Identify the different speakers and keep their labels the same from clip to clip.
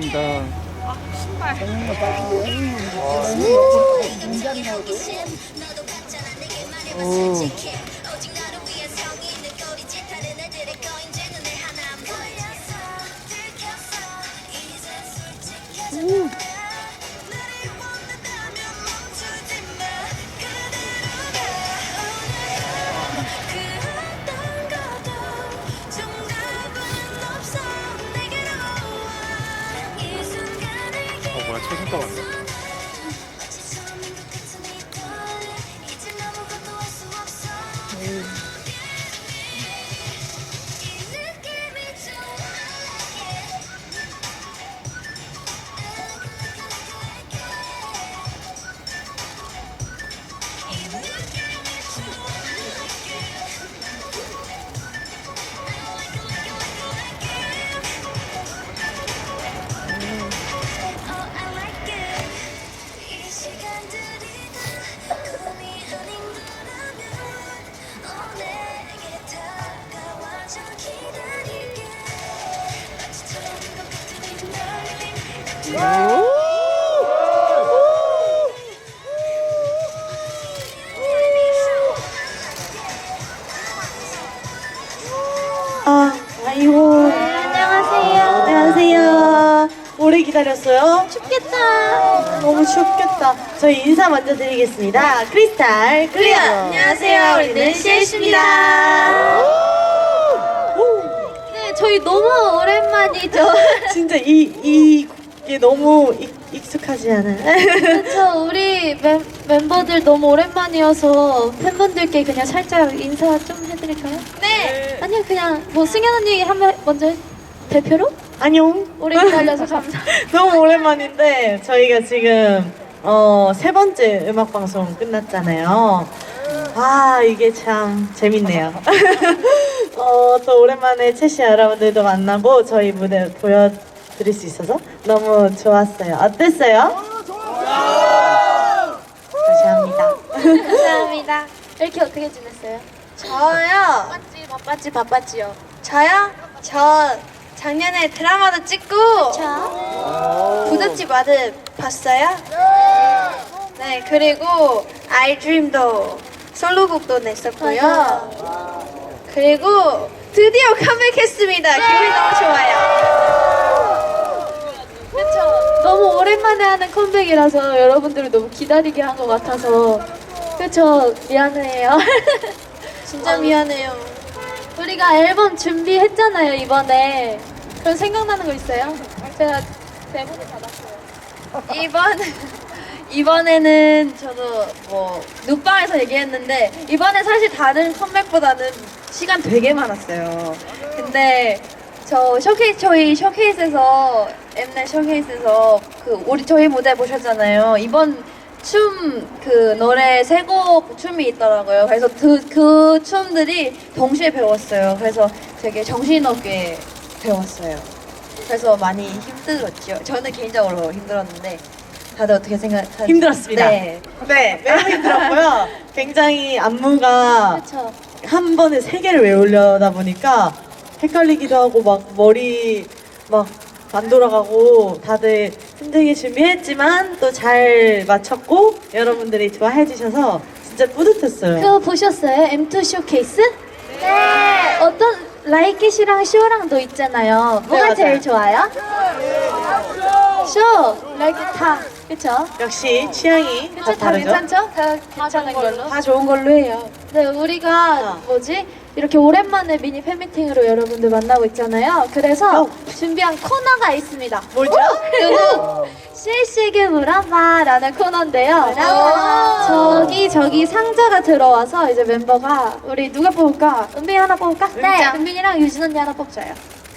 Speaker 1: 감사합니다.
Speaker 2: 신발.
Speaker 1: 뭐야, 최신가 왔네.
Speaker 3: 아이고.
Speaker 4: 안녕하세요.
Speaker 3: 안녕하세요. 오래 기다렸어요?
Speaker 4: 춥겠다.
Speaker 3: 너무 춥겠다. 저희 인사 먼저 드리겠습니다. 크리스탈 클리어.
Speaker 4: 안녕하세요. 우리는 CLC입니다. 네, 저희 너무 오랜만이죠.
Speaker 3: 진짜 이게 너무 익숙하지 않아요?
Speaker 4: 그렇죠. 우리 멤버들 너무 오랜만이어서 팬분들께 그냥 살짝 인사 좀 해드릴까요? 네. 아니요, 그냥 뭐 승현 언니 한번 먼저 대표로?
Speaker 3: 안녕.
Speaker 4: 오래 기다려서 감사합니다.
Speaker 3: 너무 오랜만인데 저희가 지금 세 번째 음악 방송 끝났잖아요. 아, 이게 참 재밌네요. 또 오랜만에 채시 여러분들도 만나고 저희 무대 보여드릴 수 있어서 너무 좋았어요. 어땠어요? 다시 합니다.
Speaker 4: 감사합니다. 이렇게 어떻게 지냈어요?
Speaker 5: 저요?
Speaker 4: 바빴지요.
Speaker 5: 저요? 저 작년에 드라마도 찍고
Speaker 4: 자,
Speaker 5: 부잣집 아들 봤어요? 네, 그리고 아이드림도 솔로곡도 냈었고요.
Speaker 4: 맞아요.
Speaker 5: 그리고 드디어 컴백했습니다. 기분이 너무 좋아요.
Speaker 4: 그쵸. 너무 오랜만에 하는 컴백이라서 여러분들을 너무 기다리게 한 것 같아서 그쵸. 미안해요.
Speaker 5: 진짜 미안해요.
Speaker 4: 우리가 앨범 준비했잖아요, 이번에. 그럼 생각나는 거 있어요? 제가 대본을 받았어요.
Speaker 5: 이번에는 저도 뭐 눕방에서 얘기했는데 이번에 사실 다른 컴백보다는 시간 되게 많았어요. 근데 저희 쇼케이스에서 엠넷 쇼케이스에서 저희 무대 보셨잖아요. 이번 그 노래 세 곡 춤이 있더라고요. 그래서 그 춤들이 동시에 배웠어요. 그래서 되게 정신없게 배웠어요. 그래서 많이 힘들었죠. 저는 개인적으로 힘들었는데 다들 어떻게 생각하세요?
Speaker 3: 힘들었습니다.
Speaker 5: 네.
Speaker 3: 네, 매우 힘들었고요. 굉장히 안무가
Speaker 4: 그쵸.
Speaker 3: 한 번에 세 개를 외우려다 보니까 헷갈리기도 하고 막 머리 막 안 돌아가고 다들 힘들게 준비했지만 또 잘 맞췄고 여러분들이 좋아해 주셔서 진짜 뿌듯했어요.
Speaker 4: 그거 보셨어요? M2 쇼케이스? 네. 어떤 라이켓이랑 쇼랑도 있잖아요. 뭐가
Speaker 3: 맞아요.
Speaker 4: 제일 좋아요? 쇼, 라이켓 다. 그쵸?
Speaker 3: 역시 취향이 다
Speaker 4: 그쵸? 다
Speaker 3: 다르죠?
Speaker 4: 괜찮죠? 다 괜찮은 걸로.
Speaker 5: 다 좋은 걸로 해요.
Speaker 4: 네, 우리가 이렇게 오랜만에 미니 팬미팅으로 여러분들 만나고 있잖아요. 그래서 준비한 코너가 있습니다.
Speaker 3: 뭐죠?
Speaker 4: 이거 실시계 물어봐라는 코너인데요. 저기 상자가 들어와서 이제 멤버가 우리 누가 뽑을까? 은빈이 하나 뽑을까? 네. 은빈이랑 유진 언니 하나 뽑자요.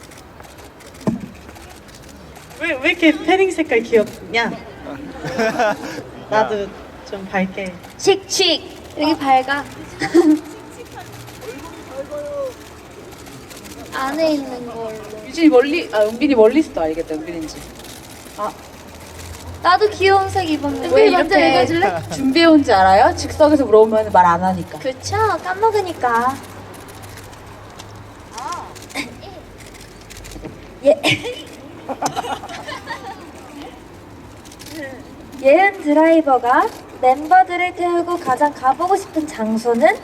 Speaker 3: 왜 이렇게 패딩 색깔 귀엽냐? 나도 좀 밝게.
Speaker 4: 칙칙. 여기 밝아. 안에 있는 걸로.
Speaker 2: 유진이 은빈이 멀리서도 알겠다, 은빈인지.
Speaker 4: 나도 귀여운 색 입었는데.
Speaker 2: 왜
Speaker 4: 은빈이 먼저
Speaker 2: 이렇게
Speaker 4: 읽어줄래?
Speaker 2: 준비해온지 알아요? 즉석에서 물어보면 말 안 하니까.
Speaker 4: 그쵸? 까먹으니까. 예. 예은 드라이버가 멤버들을 태우고 가장 가보고 싶은 장소는?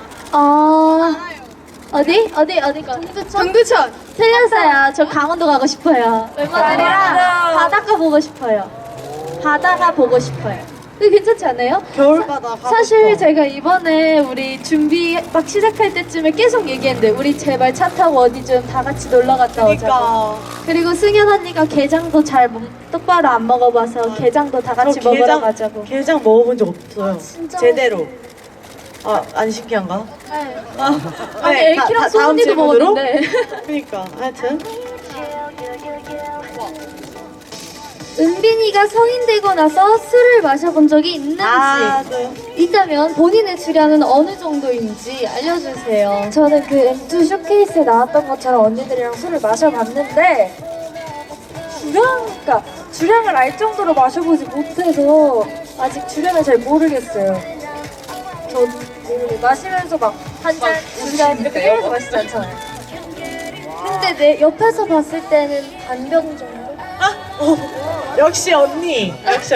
Speaker 4: 어디? 정두천. 틀렸어요. 저 강원도 가고 싶어요. 멤버들이랑 바닷가 보고 싶어요. 바다가 보고 싶어요. 이거 괜찮지 않아요?
Speaker 3: 겨울바다 가고
Speaker 4: 사실
Speaker 3: 싶어.
Speaker 4: 제가 이번에 우리 준비 막 시작할 때쯤에 계속 얘기했는데 우리 제발 차 타고 어디 좀 다 같이 놀러 갔다 오자고.
Speaker 3: 그러니까
Speaker 4: 그리고 승현 언니가 게장도 잘 똑바로 안 먹어봐서 게장도 다 같이
Speaker 3: 저
Speaker 4: 먹으러 가자고.
Speaker 3: 게장 먹어본 적 없어요.
Speaker 4: 진짜
Speaker 3: 제대로. 안 신기한가?
Speaker 4: 네.
Speaker 3: 아니
Speaker 4: 엘키랑 소은이도 먹었는데.
Speaker 3: 그러니까 하여튼
Speaker 4: 은빈이가 성인 되고 나서 술을 마셔본 적이 있는지
Speaker 3: 네.
Speaker 4: 있다면 본인의 주량은 어느 정도인지 알려주세요. 저는 그 M2 쇼케이스에 나왔던 것처럼 언니들이랑 술을 마셔봤는데 주량을 알 정도로 마셔보지 못해서 아직 주량을 잘 모르겠어요. 저 마시면서 막 한 잔, 두 잔 이렇게 때려서 마시지 않잖아요. 근데 내 옆에서 봤을 때는 반병 정도?
Speaker 3: 역시 언니.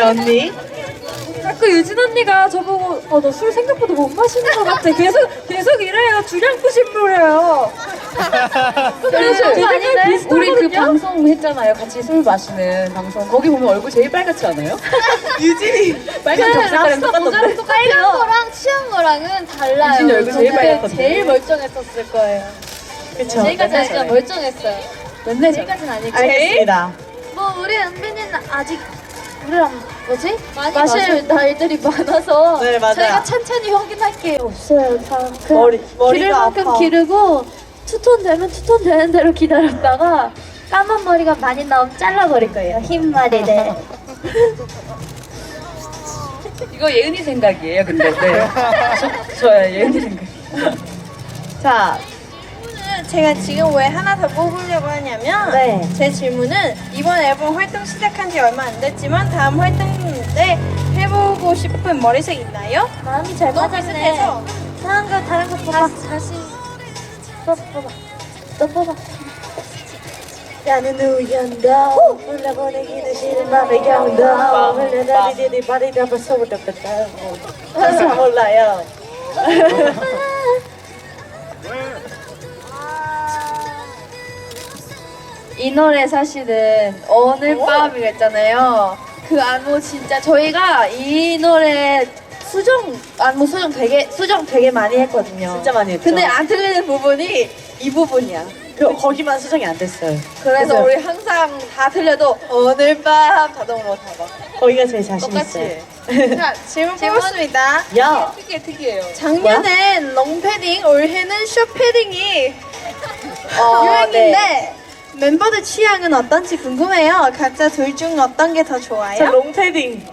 Speaker 4: 자꾸 유진 언니가 저보고 너 술 생각보다 못 마시는 것 같아. 계속 이래요. 주량 부심부려요.
Speaker 2: 그래서
Speaker 4: 아닌데?
Speaker 2: 우리 그 방송 했잖아요. 같이 술 마시는 방송. 거기 보면 얼굴 제일 빨갛지 않아요?
Speaker 3: 유진이
Speaker 2: 빨간 벽색깔이랑 똑같던데?
Speaker 4: 빨간 거랑 취한 거랑은 달라요.
Speaker 2: 유진이 얼굴 제일 빨갛던데?
Speaker 4: 제일 멀쩡했었을 거예요.
Speaker 3: 그쵸.
Speaker 4: 제일까지는 진짜 멀쩡했어요.
Speaker 2: 맨날
Speaker 4: 제일까지는 아니고.
Speaker 3: 알겠습니다.
Speaker 4: 뭐 우리 은빈이는 아직 우리랑 뭐지? 마실 날들이 많아서
Speaker 3: 네, 맞아요.
Speaker 4: 저희가 천천히 확인할게요. 없어요. 다
Speaker 3: 머리가
Speaker 4: 기를 만큼
Speaker 3: 아파.
Speaker 4: 기르고 투톤 되면 투톤 되는 대로 기다렸다가 까만 머리가 많이 나오면 잘라버릴 거예요. 흰 머리를.
Speaker 2: 이거 예은이 생각이에요, 근데. 네. 저야 예은이 생각.
Speaker 3: 자,
Speaker 5: 제가 지금 왜 하나 더 뽑으려고 하냐면
Speaker 3: 네.
Speaker 5: 제 질문은 이번 앨범 활동 시작한 지 얼마 안 됐지만 다음 활동 때 해보고 싶은 머리색 있나요?
Speaker 4: 마음이 잘
Speaker 5: 너무
Speaker 4: 맞았네.
Speaker 5: 비슷해서
Speaker 4: 다른 거 뽑아. 다시 또 뽑아. 나는 우연도 올라보내기도 싫은 맘의 경도 흘러다니더니 발이다 벌써부터 뺐다고.
Speaker 3: 잘 몰라요.
Speaker 5: 이 노래 사실은 오늘 밤이랬잖아요. 그 안무 진짜 저희가 이 노래 안무 수정 되게 많이 했거든요.
Speaker 3: 진짜 많이 했죠.
Speaker 5: 근데 안 들리는 부분이 이 부분이야.
Speaker 3: 거기만 수정이 안 됐어요.
Speaker 5: 그래서
Speaker 3: 그죠?
Speaker 5: 우리 항상 다 틀려도 오늘 밤 자동으로 잡아.
Speaker 3: 거기가 제일 자신
Speaker 5: 똑같이.
Speaker 3: 있어요.
Speaker 5: 자, 질문 뽑았습니다.
Speaker 3: 야,
Speaker 2: 특이해요.
Speaker 5: 작년엔 롱패딩, 올해는 숏패딩이
Speaker 3: 어,
Speaker 5: 유행인데
Speaker 3: 네.
Speaker 5: 멤버들 취향은 어떤지 궁금해요. 각자 둘 중 어떤 게 더
Speaker 3: 저
Speaker 5: 좋아요?
Speaker 3: 롱패딩.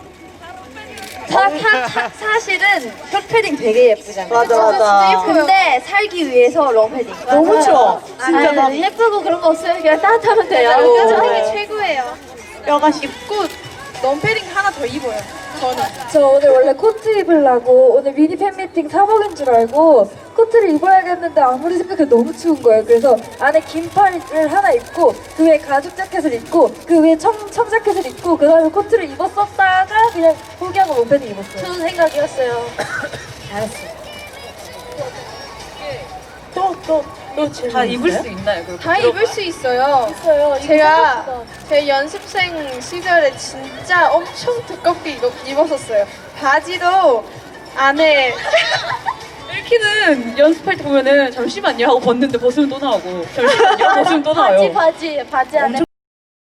Speaker 5: 사실은 숏패딩 되게 예쁘잖아요.
Speaker 3: 맞아.
Speaker 5: 근데 살기 위해서 롱패딩.
Speaker 3: 너무 추워. 진짜 막
Speaker 4: 예쁘고 그런 거 없어요. 그냥 따뜻하면 돼요.
Speaker 5: 깜짝이 최고예요.
Speaker 3: 뼈가
Speaker 5: 입고 롱패딩 하나 더 입어요. 저는.
Speaker 4: 저 오늘 원래 코트 입으려고 오늘 미니 팬미팅 사복인 줄 알고 코트를 입어야겠는데 아무리 생각해도 너무 추운 거예요. 그래서 안에 긴팔을 하나 입고 그 위에 가죽 자켓을 입고 그 위에 청자켓을 입고 그 다음에 코트를 입었었다가 그냥 포기하고 롱패딩 입었어요. 좋은 생각이었어요. 잘했어요.
Speaker 3: 또 질문
Speaker 2: 다 입을
Speaker 3: 있어요?
Speaker 2: 수 있나요? 그럼
Speaker 5: 다 입을 수 있어요.
Speaker 4: 있어요.
Speaker 5: 제가 제 연습생 시절에 진짜 엄청 두껍게 입었었어요. 바지도 안에
Speaker 2: 일키는 연습할 때 보면은 잠시만요 하고 벗는데 벗으면 또 나오고 잠시만요 벗으면 또 나와요.
Speaker 4: 바지 안에